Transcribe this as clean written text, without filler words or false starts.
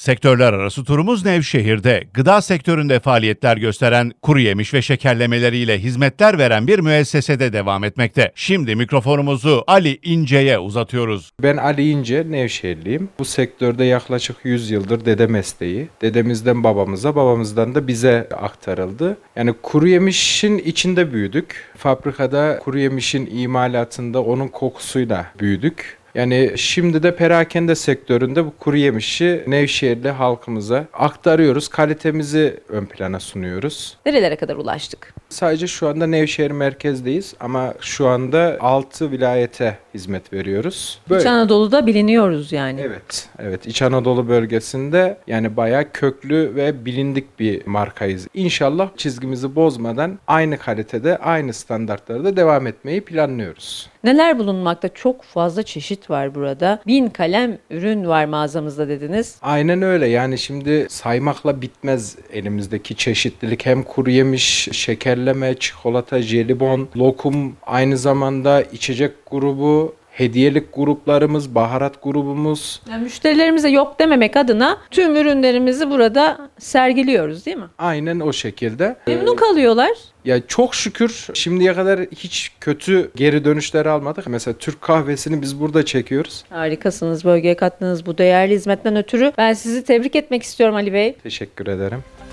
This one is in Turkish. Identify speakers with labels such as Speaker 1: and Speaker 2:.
Speaker 1: Sektörler arası turumuz Nevşehir'de. Gıda sektöründe faaliyetler gösteren, kuru yemiş ve şekerlemeleriyle hizmetler veren bir müessesede devam etmekte. Şimdi mikrofonumuzu Ali İnce'ye uzatıyoruz.
Speaker 2: Ben Ali İnce, Nevşehirliyim. Bu sektörde yaklaşık 100 yıldır dede mesleği. Dedemizden babamıza, babamızdan da bize aktarıldı. Yani kuru yemişin içinde büyüdük. Fabrikada kuru yemişin imalatında onun kokusuyla büyüdük. Yani şimdi de perakende sektöründe bu kuru yemişi Nevşehirli halkımıza aktarıyoruz. Kalitemizi ön plana sunuyoruz.
Speaker 3: Nerelere kadar ulaştık?
Speaker 2: Sadece şu anda Nevşehir merkezdeyiz ama şu anda 6 vilayete hizmet veriyoruz.
Speaker 3: İç Anadolu'da biliniyoruz yani.
Speaker 2: Evet. İç Anadolu bölgesinde yani bayağı köklü ve bilindik bir markayız. İnşallah çizgimizi bozmadan aynı kalitede, aynı standartlarda devam etmeyi planlıyoruz.
Speaker 3: Neler bulunmakta? Çok fazla çeşit var burada. 1000 kalem ürün var mağazamızda dediniz.
Speaker 2: Aynen öyle. Yani şimdi saymakla bitmez elimizdeki çeşitlilik. Hem kuru yemiş, şekerleme, çikolata, jelibon, lokum, aynı zamanda içecek grubu, hediyelik gruplarımız, baharat grubumuz.
Speaker 3: Yani müşterilerimize yok dememek adına tüm ürünlerimizi burada sergiliyoruz değil mi?
Speaker 2: Aynen o şekilde.
Speaker 3: Memnun kalıyorlar.
Speaker 2: Ya çok şükür şimdiye kadar hiç kötü geri dönüşler almadık. Mesela Türk kahvesini biz burada çekiyoruz.
Speaker 3: Harikasınız, bölgeye kattığınız bu değerli hizmetten ötürü. Ben sizi tebrik etmek istiyorum Ali Bey.
Speaker 2: Teşekkür ederim.